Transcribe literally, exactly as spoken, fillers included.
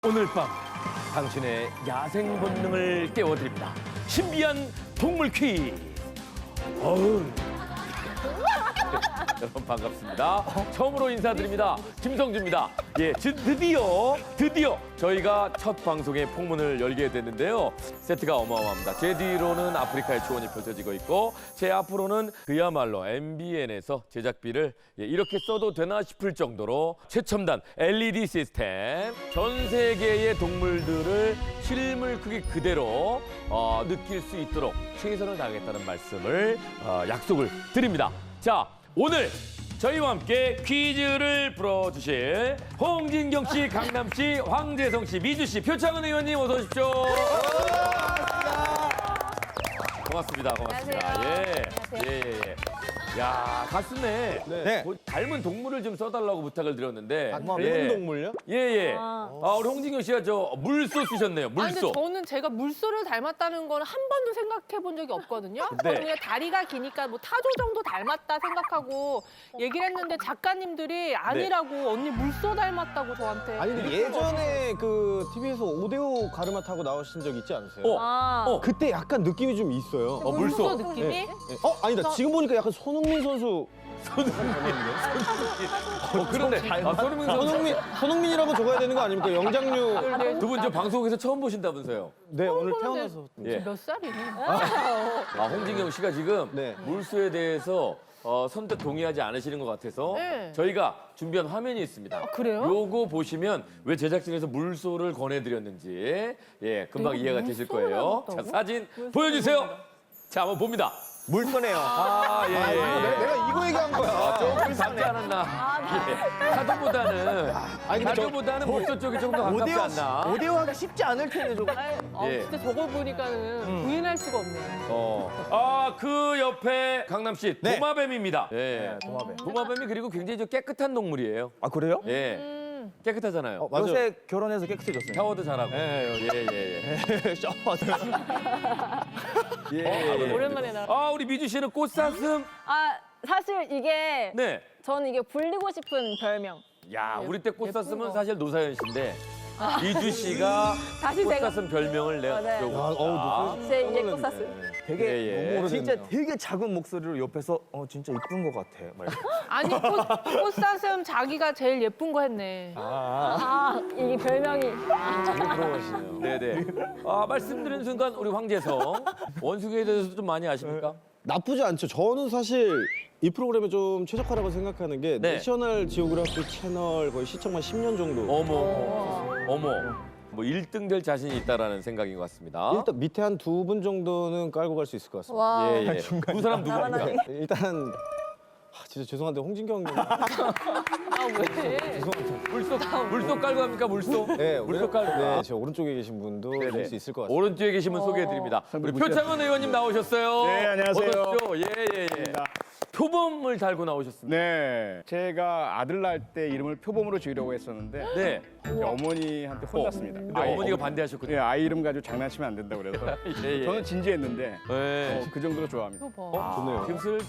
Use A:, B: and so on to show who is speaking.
A: 오늘 밤 당신의 야생 본능을 깨워드립니다. 신비한 동물 퀴즈. 어우. 여러분 반갑습니다. 처음으로 인사드립니다. 김성주입니다. 예, 드- 드디어 드디어 저희가 첫 방송의 폭문을 열게 됐는데요. 세트가 어마어마합니다. 제 뒤로는 아프리카의 초원이 펼쳐지고 있고 제 앞으로는 그야말로 엠비엔에서 제작비를 예, 이렇게 써도 되나 싶을 정도로 최첨단 엘이디 시스템, 전 세계의 동물들을 실물 크기 그대로 어, 느낄 수 있도록 최선을 다하겠다는 말씀을 어, 약속을 드립니다. 자, 오늘 저희와 함께 퀴즈를 풀어주실 홍진경 씨, 강남 씨, 황재성 씨, 미주 씨, 표창은 의원님 어서 오십시오. 고맙습니다. 고맙습니다.
B: 안녕하세요.
A: 예.
B: 안녕하세요.
A: 예, 예, 예. 야, 가슴에
C: 네.
A: 뭐 닮은 동물을 좀 써달라고 부탁을 드렸는데.
C: 닮은
A: 예.
C: 동물요?
A: 예, 예.
B: 아.
A: 아, 우리 홍진경 씨가 저 물소 쓰셨네요.
B: 아니,
A: 물소.
B: 근데 저는 제가 물소를 닮았다는 건 한 번도 생각해 본 적이 없거든요.
A: 네.
B: 저는 그냥 다리가 기니까 뭐 타조 정도 닮았다 생각하고 얘기를 했는데 작가님들이 아니라고 언니 물소 닮았다고 저한테.
C: 아니 근데 예전에 그 티비에서 오데오 가르마 타고 나오신 적 있지 않으세요?
A: 어.
B: 아,
A: 어.
C: 그때 약간 느낌이 좀 있어요.
A: 어, 물소.
B: 물소 느낌이?
C: 네. 어 아니다 지금 보니까 약간 손흥민 선수
A: 어, 그런데. 아, 손흥민 선수.
C: 손흥민 손흥민이라고 적어야 되는 거 아닙니까? 영장류.
A: 두 분 저 방송에서 처음 보신다면서요?
C: 네 오늘
B: 보는데
C: 태어나서.
A: 예.
B: 몇 살이니?
A: 아, 홍진경 씨가 지금
C: 네.
A: 물소에 대해서 어, 선뜻 동의하지 않으시는 것 같아서
B: 네.
A: 저희가 준비한 화면이 있습니다.
B: 그래요?
A: 요거 보시면 왜 제작진에서 물소를 권해드렸는지 예 금방
B: 이거
A: 이해가 되실
B: 물소를
A: 거예요. 자,
B: 닮았다고?
A: 사진 보여주세요. 자, 한번 봅니다.
C: 물소네요.
A: 아, 예, 예,
C: 내가,
A: 예.
C: 내가 이거 얘기한 거야.
A: 조금 닮지 않았나. 예. 타조보다는,
C: 아니, 근데 저-
A: 타조보다는 물소 쪽이 좀 더 가깝지 않나.
C: 오데오 하기 쉽지 않을 텐데 좀.
B: 아,
A: 예.
B: 진짜 저걸 보니까는 부인할 수가 없네요.
A: 어. 아, 그 옆에 강남 씨
C: 네.
A: 도마뱀입니다. 예.
C: 도마뱀.
A: 도마뱀이 그리고 굉장히 좀 깨끗한 동물이에요.
D: 아 그래요?
A: 예.
B: 음.
A: 깨끗하잖아요.
C: 맞아요.
D: 요새 결혼해서 깨끗해졌어요.
A: 샤워도 잘하고.
C: 예,
A: 예, 예, 예.
D: 샤워도.
A: 예, 예, 예.
B: 오랜만에 나.
A: 아, 우리 미주 씨는 꽃사슴?
E: 아 사실 이게
A: 네.
E: 저는 이게 불리고 싶은 별명.
A: 야, 우리 때
B: 예쁜
A: 꽃사슴은
B: 거.
A: 사실 노사연 씨인데 미주 씨가
E: 다시 제가
A: 꽃사슴 별명을 내가
E: 네.
A: 주려고
C: 아, 어우,
A: 했다.
E: 제 이제 꽃사슴.
D: 되게
A: 예, 예.
D: 너무 진짜
C: 오래됐네요.
D: 되게 작은 목소리로 옆에서 어 진짜 이쁜 것 같아. 막 이렇게.
B: 아니, 꽃, 꽃사슴 자기가 제일 예쁜 거 했네.
E: 아 이게 별명이.
A: 부러워하시네요. 네네. 아, 말씀드린 순간 우리 황재성 원숭이에 대해서 좀 많이 아십니까?
C: 나쁘지 않죠. 저는 사실 이 프로그램에 좀 최적화라고 생각하는 게
A: 네.
C: 내셔널 지오그래피 채널 거의 시청만 십 년 정도.
A: 어머, 어머. 뭐 일 등 될 자신이 있다라는 생각인 것 같습니다.
C: 일단 밑에 한 두 분 정도는 깔고 갈 수 있을 것 같습니다.
E: 와.
A: 예, 예. 두 사람 누구입니까?
E: 나만하게.
C: 일단 아, 진짜 죄송한데 홍진경 님.
B: 아, 왜?
A: 물속, 물속 깔고 갑니까, 물속?
C: 네,
A: 물속 깔고.
C: 네, 제 오른쪽에 계신 분도
A: 네네.
C: 될 수 있을 것 같습니다.
A: 오른쪽에 계신 분 소개해드립니다. 우리 표창원 의원님 나오셨어요.
F: 네, 안녕하세요.
A: 어서 오십시오. 예, 예, 예. 표범을 달고 나오셨습니다.
F: 네, 제가 아들 낳을 때 이름을 표범으로 지으려고 했었는데
A: 네.
F: 이제 어머니한테 혼났습니다.
A: 근데 어머니가 반대하셨거든요.
F: 네, 아이 이름 가지고 장난치면 안 된다고 그래서
A: 예, 예.
F: 저는 진지했는데
A: 예.
F: 어, 그 정도로 좋아합니다.
B: 이거 봐.
C: 좋네요.
A: 지금 슬슬